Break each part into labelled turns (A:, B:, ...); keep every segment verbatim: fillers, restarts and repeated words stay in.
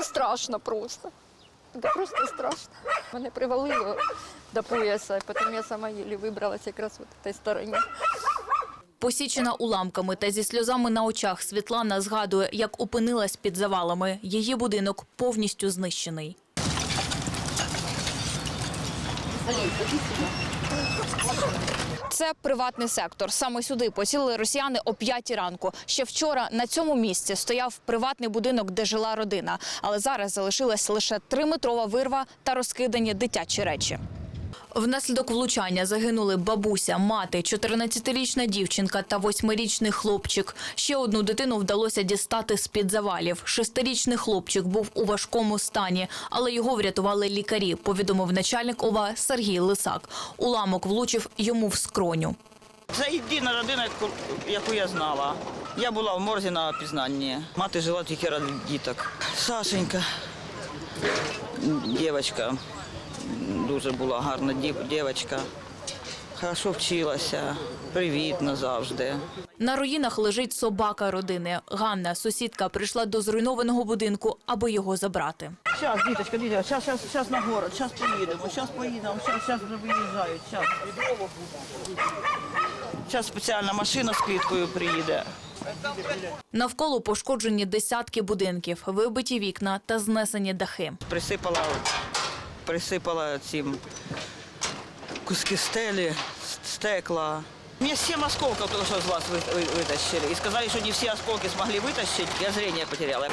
A: страшно просто. Це просто страшно. Мене привалило до пояса, потім я сама єлі вибралася якраз в цій стороні.
B: Посічена уламками та зі сльозами на очах Світлана згадує, як опинилась під завалами. Її будинок повністю знищений. Це приватний сектор. Саме сюди поцілили росіяни о п'ятій ранку. Ще вчора на цьому місці стояв приватний будинок, де жила родина. Але зараз залишилась лише триметрова вирва та розкидані дитячі речі. Внаслідок влучання загинули бабуся, мати, чотирнадцятирічна дівчинка та восьмирічний хлопчик. Ще одну дитину вдалося дістати з-під завалів. Шестирічний хлопчик був у важкому стані, але його врятували лікарі, повідомив начальник ОВА Сергій Лисак. Уламок влучив йому в скроню.
C: Це єдина родина, яку я знала. Я була в морзі на опізнанні. Мати жила тільки ради діток. Сашенька, дівчинка. Дуже була гарна дівчинка, хорошо вчилася, привітна завжди.
B: На руїнах лежить собака родини. Ганна, сусідка, прийшла до зруйнованого будинку, аби його забрати.
C: Зараз, діточка, діточка, зараз, зараз, зараз на город, зараз поїдемо, зараз поїдемо, зараз, зараз вже виїжджають, зараз. Зараз спеціальна машина з квіткою приїде.
B: Навколо пошкоджені десятки будинків, вибиті вікна та знесені дахи.
C: Присипала, присипала цим куски стелі, стекла. У меня семь осколков только что из вас вытащили. И сказали, что не все осколки смогли вытащить. Я зрение потеряла.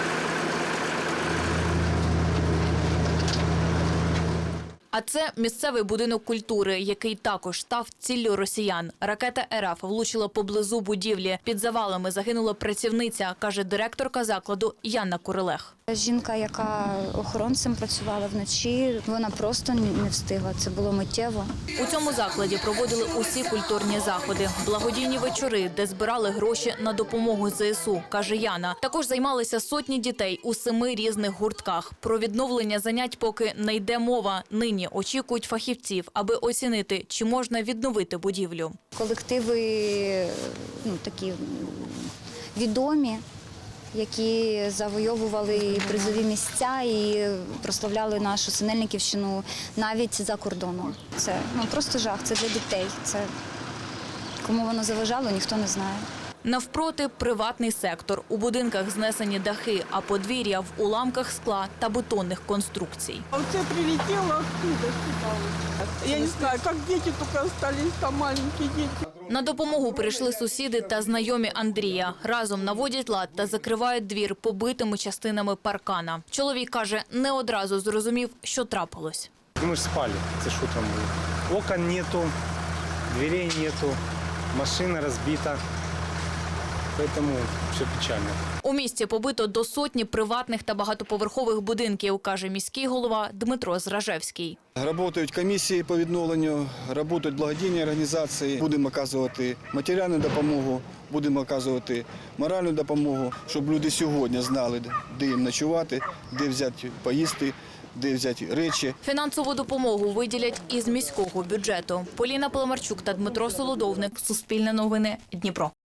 B: А це місцевий будинок культури, який також став ціллю росіян. Ракета РФ влучила поблизу будівлі. Під завалами загинула працівниця, каже директорка закладу Яна Курилех.
D: Жінка, яка охоронцем працювала вночі, вона просто не встигла. Це було миттєво.
B: У цьому закладі проводили усі культурні заходи. Благодійні вечори, де збирали гроші на допомогу ЗСУ, каже Яна. Також займалися сотні дітей у семи різних гуртках. Про відновлення занять поки не йде мова. Нині очікують фахівців, аби оцінити, чи можна відновити будівлю.
D: Колективи ну, такі відомі, які завойовували призові місця і прославляли нашу Синельниківщину навіть за кордоном. Це ну, просто жах, це для дітей. Це кому воно заважало, ніхто не знає.
B: Навпроти – приватний сектор. У будинках знесені дахи, а подвір'я в уламках скла та бетонних конструкцій.
E: А оце прилетіло оттуда, я не знаю, як діти тільки залишилися, там маленькі діти.
B: На допомогу прийшли сусіди та знайомі Андрія. Разом наводять лад та закривають двір побитими частинами паркана. Чоловік каже, не одразу зрозумів, що трапилось.
F: Ми ж спали, це що там було? Окон нету, дверей нету, машина розбита. Тому все печально.
B: У місті побито до сотні приватних та багатоповерхових будинків, каже міський голова Дмитро Зражевський.
G: Працюють комісії по відновленню, працюють благодійні організації. Будемо оказувати матеріальну допомогу, будемо оказувати моральну допомогу, щоб люди сьогодні знали, де їм ночувати, де взяти поїсти, де взяти речі.
B: Фінансову допомогу виділять із міського бюджету. Поліна Паламарчук та Дмитро Солодовник. Суспільне новини. Дніпро.